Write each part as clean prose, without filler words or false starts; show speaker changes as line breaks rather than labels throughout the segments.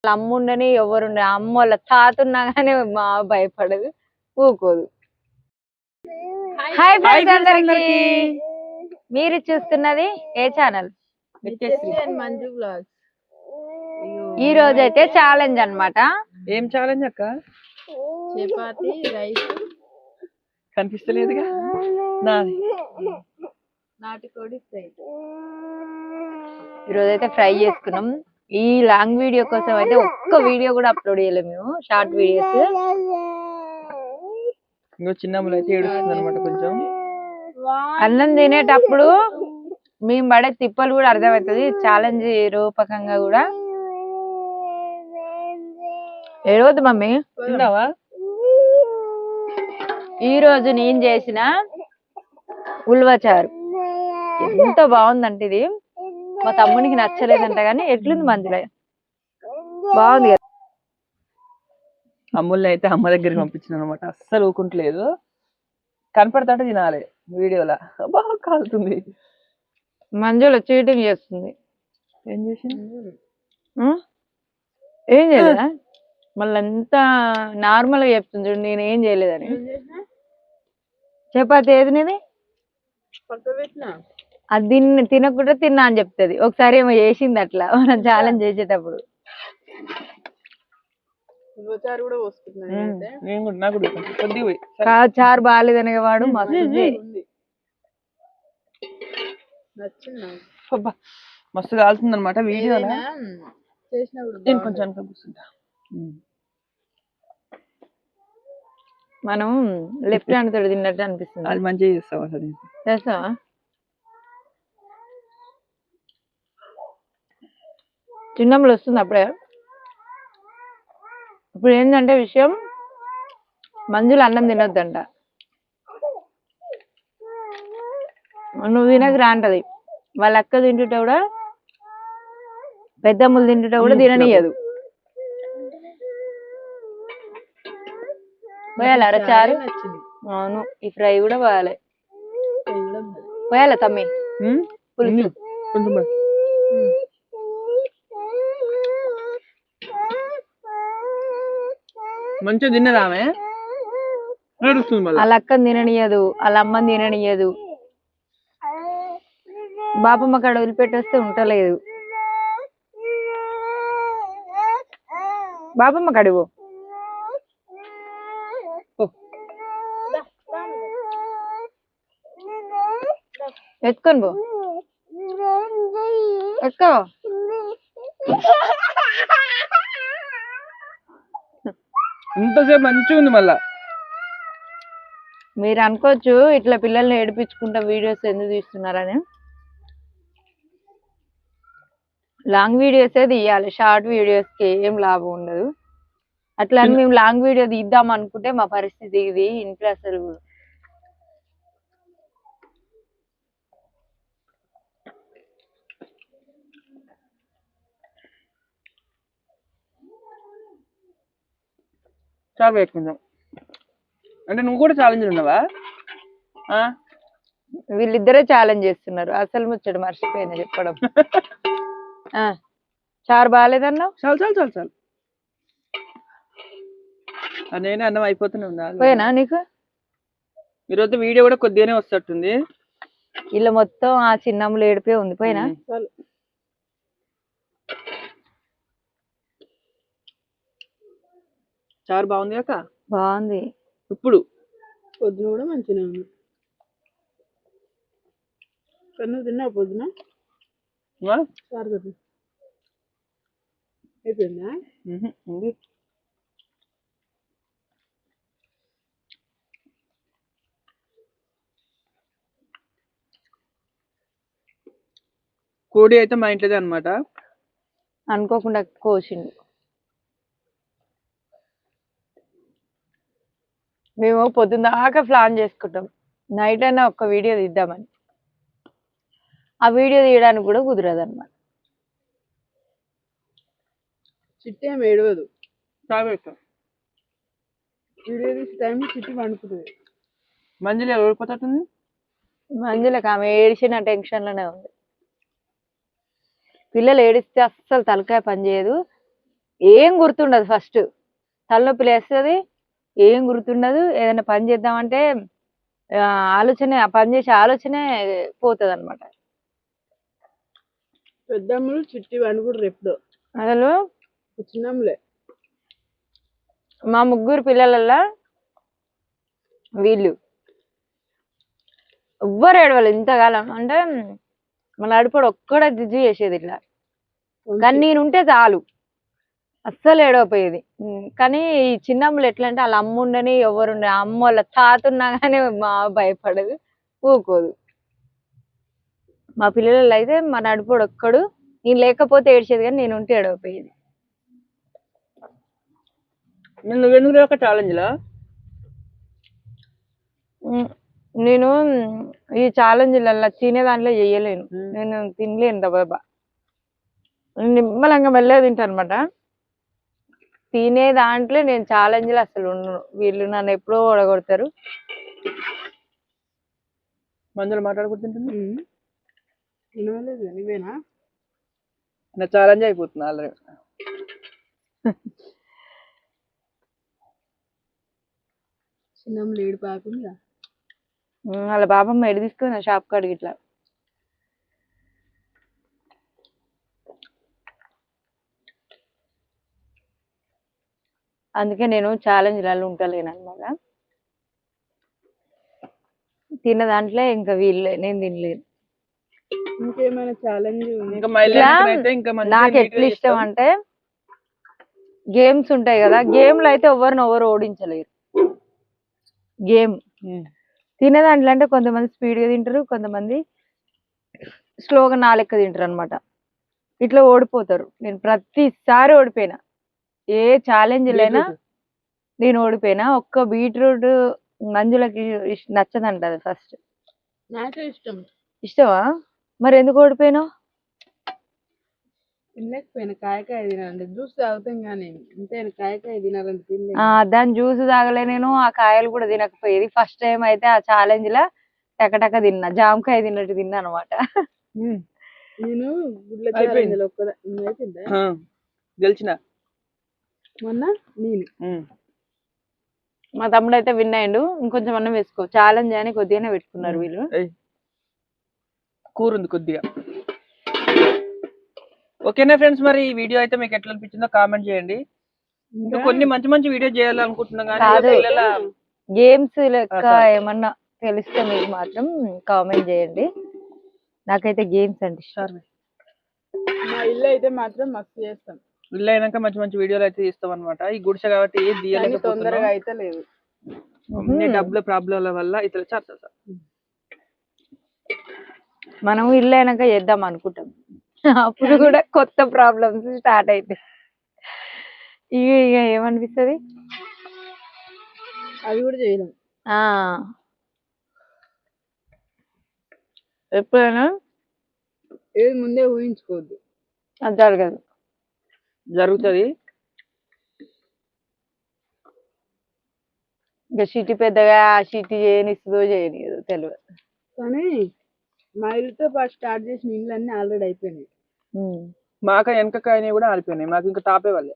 అమ్ముండని ఎవరుండే అమ్మ వాళ్ళ తాత ఉన్నా కానీ మా భయపడదు ఊకోదు. హాయ్ ఫ్రెండ్స్ అందరికి, మీరు చూస్తున్నది ఏ ఛానల్?
మంజు బ్లాగ్స్.
ఈ రోజు అయితే ఛాలెంజ్ అన్నమాట.
ఏం ఛాలెంజ్ అక్క?
చపాతి రైస్
కనిపిస్తలేదుగా నాది.
నాటుకోడి ఫ్రై.
ఈ రోజు అయితే ఫ్రై చేసుకున్నాం. ఈ లాంగ్ వీడియో కోసం అయితే ఒక్క వీడియో కూడా అప్లోడ్ చేయలేము మేము, షార్ట్ వీడియోస్.
ఇంకో చిన్నమ్మలు అయితే ఏడుస్తుంది అనమాట కొంచెం.
అన్నం తినేటప్పుడు మేము పడే తిప్పలు కూడా అర్థమవుతుంది ఛాలెంజ్ రూపకంగా కూడా. ఏడవద్దు మమ్మీ.
తిన్నావా?
ఈ రోజు నేను చేసిన ఉల్వచారు ఎంత బాగుందంటే, ఇది మా తమ్మునికి నచ్చలేదంట కానీ ఎట్లుంది మంచిగా బాగుంది కదా.
అమ్ముల్ని అయితే అమ్మ దగ్గరికి పంపించిన అనమాట. అస్సలు ఊకుంటలేదు, కనపడతాంటే తినాలి. వీడియోలా బాగా కాలుతుంది.
మంజుల చీటింగ్ చేస్తుంది.
ఏం చేసింది?
ఏం చేయలేదా? మళ్ళీ ఎంత నార్మల్ గా చెప్తుంది చూడు, నేను ఏం చేయలేదని. చపాతి ఏది నీది? అది తినకుండా తిన్నా అని చెప్తుంది. ఒకసారి ఏమో చేసింది అట్లా మనం ఛాలెంజ్ చేసేటప్పుడు. చారు బాగాలేదనే వాడు
మస్తు కాలుతుంది అనమాట వీడియో. కొంచెం కూర్చుంటా.
మనం లెఫ్ట్ హ్యాండ్ తోటి తిన్నట్టు అనిపిస్తుంది.
అది మంచిగా చేస్తావా?
చేస్తావా? చిన్నప్పుడు వస్తుంది అప్పుడే. ఇప్పుడు ఏంటంటే విషయం, మంజులు అన్నం తినొద్దంట. నువ్వు తినకరా అంటది. వాళ్ళ అక్క తింటుంటే కూడా, పెద్దమ్మలు తింటుంటే కూడా తిననీయదు. పోయాలి అరచారు. అవును, ఈ ఫ్రై కూడా పోయాలి. పోయాలి తమ్మి పులుసు.
మంచిగా తిన్నదా ఆమె?
వాళ్ళ అక్కని తిననీయదు, వాళ్ళ అమ్మని తిననీయదు. బాపమ్మ కాడ వదిలిపెట్టేస్తే ఉంటలేదు. బాపమ్మ కడుగు ఎత్తుకొని పో, ఎత్తుకో.
ఇంతసేపు మంచిగా ఉంది. మళ్ళా
మీరు అనుకోవచ్చు ఇట్లా పిల్లల్ని ఏడిపించుకుంటా వీడియోస్ ఎందుకు తీస్తున్నారని. లాంగ్ వీడియోసే తీయాలి, షార్ట్ వీడియోస్ కి ఏం లాభం ఉండదు. అట్లా అని మేము లాంగ్ వీడియో తీద్దాం అనుకుంటే మా పరిస్థితి ఇది. ఇంట్లో అసలు
చాలు పెట్టుకుందాం. అంటే నువ్వు కూడా ఛాలెంజ్ ఉన్నావా?
వీళ్ళిద్దరే ఛాలెంజ్ చేస్తున్నారు. అసలు ముచ్చడు మర్చిపోయినా చెప్పడం. చారు బాగాలేదన్నావు.
చాలు చాలు చాలు చాలు. నేనే అన్నం అయిపోతూనే ఉన్నా.
పోయినా నీకు
ఈరోజు వీడియో కూడా కొద్దిగానే వస్తట్టుంది.
ఇలా మొత్తం ఆ చిన్నమ్మలు ఏడిపోయి ఉంది. పోయినా
చారు బాగుంది అక్క.
బాగుంది.
ఇప్పుడు
పొద్దున కూడా మంచిగా ఉంది. నువ్వు తిన్నావు పొద్దున? అయిపోయిందా?
కోడి అయితే మా ఇంట్లోదే అనమాట.
అనుకోకుండా కోసిండు. మేము పొద్దున్న దాకా ప్లాన్ చేసుకుంటాం నైట్ అయినా ఒక్క వీడియో తీద్దామని. ఆ వీడియో తీయడానికి కూడా కుదరదు అన్నమాట.
చిట్టి ఏమి ఏడవదు. వీడియో తీసే టైం చిట్టి వండుకుంటుంది.
మంజులు ఓడిపోతుంది.
మంజులకు ఆమె ఏడిచిన టెన్షన్ లోనే ఉంది. పిల్లలు ఏడిస్తే అస్సలు తలకాయ పని చేయదు. ఏం గుర్తుండదు. ఫస్ట్ తలనొప్పి లేస్తుంది, ఏం గుర్తుండదు. ఏదైనా పని చేద్దామంటే ఆలోచన, ఆ పని చేసే ఆలోచనే పోతుంది అనమాట.
పెద్దమ్మలు చిట్టి వండుకుంటారు ఎప్పుడు
అసలు
చిన్నమ్మలే.
మా ముగ్గురు పిల్లలల్లా వీళ్ళు ఎవ్వరు ఏడవలేదు ఇంతకాలం. అంటే మన నడుపుడు ఒక్కడే జిజ్జి చేసేది ఇట్లా, కానీ నేనుంటే చాలు అస్సలు ఏడవపోయేది. కానీ ఈ చిన్నమ్మలు ఎట్లా అంటే వాళ్ళ అమ్మ ఉండని ఎవరుండే, అమ్మ వాళ్ళ తాత ఉన్నా కానీ మా భయపడదు, ఊకోదు. మా పిల్లలు అయితే మా నడుపుడు ఒక్కడు, నేను లేకపోతే ఏడ్చేది కానీ నేను ఉంటే ఏడవపోయేది.
నువ్వెందుకు ఒక ఛాలెంజ్లా?
నేను ఈ ఛాలెంజ్లల్లా తినే దాంట్లో చెయ్యలేను, నేను తినలేను దబాబా. నిమ్మలంగా మెల్లగా తింటా అనమాట. తినే దాంట్లో నేను ఛాలెంజ్లు అసలు ఉండను. వీళ్ళు నన్ను ఎప్పుడో ఓడగొడతారు.
మందులు మాట్లాడుకుంటుంటుంది.
తినలేదు నువ్వేనా?
నా ఛాలెంజ్ అయిపోతుంది ఆల్రెడీ.
చిన్నమ్మలు ఏడు పాకుందా.
వాళ్ళ బాబమ్మ ఎడి తీసుకుని షాప్ కాడికి ఇట్లా. అందుకే నేను ఛాలెంజ్లలో ఉంటలేను అనమాట. తిన్న దాంట్లో ఇంకా వీళ్ళే, నేను తినలేను.
ఇంకేమైనా ఛాలెంజ్
నాకు ఎట్లా ఇష్టం అంటే గేమ్స్ ఉంటాయి కదా, గేమ్లు అయితే ఎవరు ఓడించలేరు. గేమ్ తినే దాంట్లో అంటే కొంతమంది స్పీడ్గా తింటారు, కొంతమంది స్లోగా నా లెక్క తింటారు అనమాట. ఇట్లా ఓడిపోతారు. నేను ప్రతిసారి ఓడిపోయినా, ఏ ఛాలెంజ్లైనా నేను ఓడిపోయినా. ఒక్క బీట్రూట్ మంజులకి నచ్చదంట అది ఫస్ట్.
నాకు ఇష్టం.
ఇష్టమా? మరి ఎందుకు ఓడిపోయినావు?
తినలేకపోయినా కాయకాయ తినాలంటే జ్యూస్ తాగుతాం కానీ అంతే, కాయకాయ తినాలంటే తినలేదు.
దాని జ్యూస్ తాగలే నేను, ఆ కాయలు కూడా తినకపోయేది. ఫస్ట్ టైం అయితే ఆ ఛాలెంజ్ లా టకటక తిన్నా, జామకాయ తిన్నట్టు తిన్నా అనమాట.
నేను గుడ్ల ఛాలెంజ్
గెలిచిన
మొన్న నేను
మా తమ్ముడు అయితే విన్ అయ్యిండు. ఇంకొంచెం అన్నం వేసుకో, ఛాలెంజ్ అని కొద్దిగానే పెట్టుకున్నారు వీళ్ళు.
కూర ఉంది కొద్దిగా. ఓకేనా ఫ్రెండ్స్, మరి ఈ వీడియో అయితే మీకు ఎట్లా అనిపించిందో కామెంట్ చేయండి. ఇంకా కొన్ని మంచి మంచి వీడియో చేయాలనుకుంటున్నాం కానీ
గేమ్స్ లెక్క ఏమన్నా తెలిస్తే మీకు మాత్రం కామెంట్ చేయండి. నాకైతే గేమ్స్ అంటే ఇష్టం.
మా ఇల్లు అయితే మాత్రం మస్తు చేస్తాం.
ఇల్లు అయినాక మంచి మంచి వీడియోలు అయితే తీస్తాం అనమాట. ఈ గుడిసె కాబట్టి ఏది తీయలేదు,
తొందరగా అయితే లేదు.
డబ్బుల ప్రాబ్లంల వల్ల ఇతర
మనం ఇల్లు అయినాక చేద్దాం అనుకుంటాం, అప్పుడు కూడా కొత్త ప్రాబ్లమ్స్ స్టార్ట్ అయితే ఇక ఏమనిపిస్తుంది,
అది కూడా చేయలేం.
ఎప్పుడైనా
ఏది ముందే ఊహించుకోవద్దు,
అది జరగదు.
జరుగుతుంది.
ఇంకా సిటీ పెద్దగా సిటీ చేయనిస్తుందో చేయనియదో తెలియదు.
కానీ మా ఇల్లుతో పాటు స్టార్ట్ చేసిన ఇల్లు అన్ని ఆల్రెడీ అయిపోయినాయి.
మాక వెనకకాయని కూడా ఆరిపోయినాయి, మాకు ఇంకా టాపే వాళ్ళే.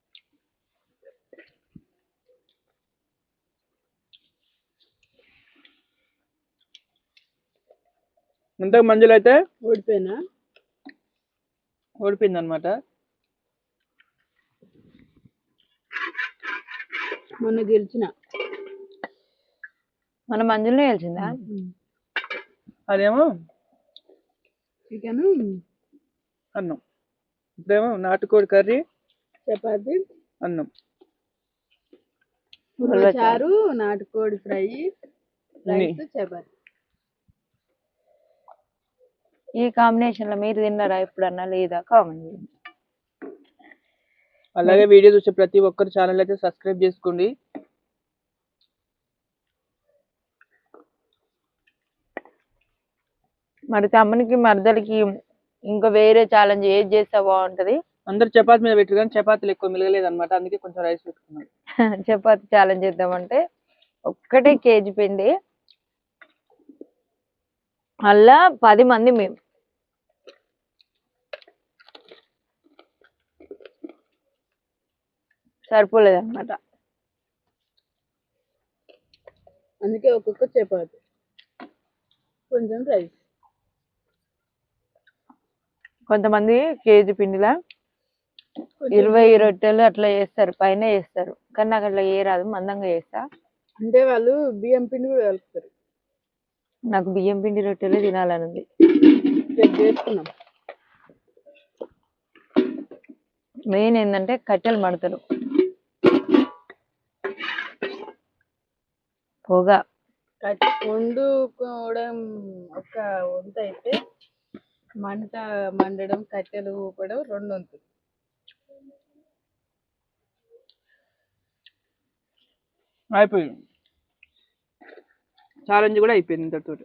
ఇంతకు మంజులు అయితే ఓడిపోయింది అనమాట.
మొన్న గెలిచిన
మన మంజులనే గెలిచిందా?
అదేమో
చికెన్
అన్నం, ఇప్పుడేమో నాటుకోడి కర్రీ,
చపాతి,
అన్నం,
చారు, నాటుకోడి ఫ్రై, రైస్, చపాతి.
ఈ కాంబినేషన్ లో మీరు తిన్నారా ఎప్పుడన్నా లేదా కామెంట్ చేయండి.
అలాగే వీడియో చూసే ప్రతి ఒక్కరు ఛానల్ అయితే సబ్స్క్రైబ్ చేసుకోండి.
మరి తమ్మునికి మరదలకి ఇంకా వేరే ఛాలెంజ్ ఏది చేస్తే బాగుంటది?
అందరు చపాతి మీద పెట్టారు కానీ చపాతీలు ఎక్కువ మిలగలేదు అనమాట, అందుకే కొంచెం రైస్ పెట్టుకున్నాను.
చపాతి ఛాలెంజ్ చేద్దామంటే ఒక్కటే కేజీ పిండి, అలా 10 మంది మేము. సరిపోలేదు అనమాట.
అందుకే ఒక్కొక్క చపాతి, కొంచెం రైస్.
కొంతమంది కేజీ పిండిలా 20 రొట్టెలు అట్లా చేస్తారు, పైన చేస్తారు. కానీ నాకు అట్లా రాదు, మందంగా చేస్తా.
అంటే వాళ్ళు బియ్యం పిండి కూడా కలుపుతారు.
నాకు బియ్యం పిండి రొట్టెలు తినాలని ఉంది.
రేపు చేసుకున్నాం.
మెయిన్ ఏంటంటే కట్టెలు మడతలు, పొగ.
వండుకోవడం ఒక వంత అయితే మంట మండడం, కట్టెలు ఊపడం 2 వంతులు.
అయిపోయింది, ఛాలెంజ్ కూడా అయిపోయింది ఇంతటితో.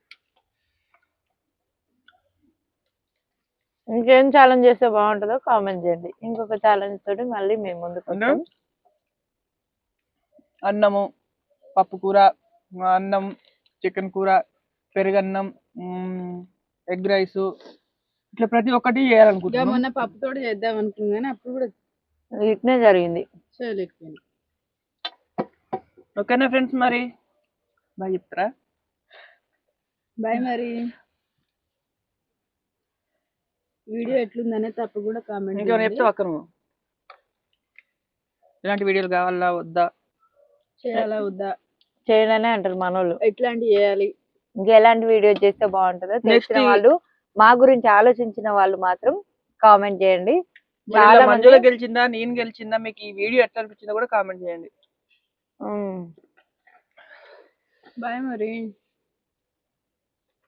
ఇంకేం ఛాలెంజ్ చేస్తే బాగుంటుందో కామెంట్ చేయండి. ఇంకొక ఛాలెంజ్ తోటి మళ్ళీ మేము ముందుకు వస్తాం.
అన్నము, పప్పు కూర, అన్నం, చికెన్ కూర, పెరుగన్నం, ఎగ్ రైస్, ఇట్లా ప్రతి ఒక్కటి
ఇంకా
చేయాలనుకుంటున్నాం.
మొన్న పప్పుతో చేద్దాం అనుకున్నాం కానీ అప్పుడు కూడా
ఇట్నే జరిగింది.
చేయలేకపోయింది.
ఓకేనా ఫ్రెండ్స్, మరి బాయ్ చెప్తారా?
బాయ్. మరి వీడియో ఎట్లుందనే తప్పకుండా కామెంట్
ఇంకేమైనా చెప్తావా అక్క నువ్వు? ఇలాంటి వీడియోలు కావాలా వద్దా?
చేయాలా వద్దా?
చేయాలనే అంటారు మనోళ్ళు.
ఎట్లాంటివి చేయాలి,
ఇంకా ఎలాంటి వీడియో చేస్తే బాగుంటుందో తెలిసిన
Next
వాళ్ళు, మా గురించి ఆలోచించిన వాళ్ళు మాత్రం కామెంట్ చేయండి.
మరి ఇలా
చాలా
మంజుల
మంది
గెలిచిందా, నేను గెలిచిందా, మీకు ఈ వీడియో ఎట్లా అనిపించిందో కూడా కామెంట్ చేయండి.
ఉమ్.
బాయ్ మరి.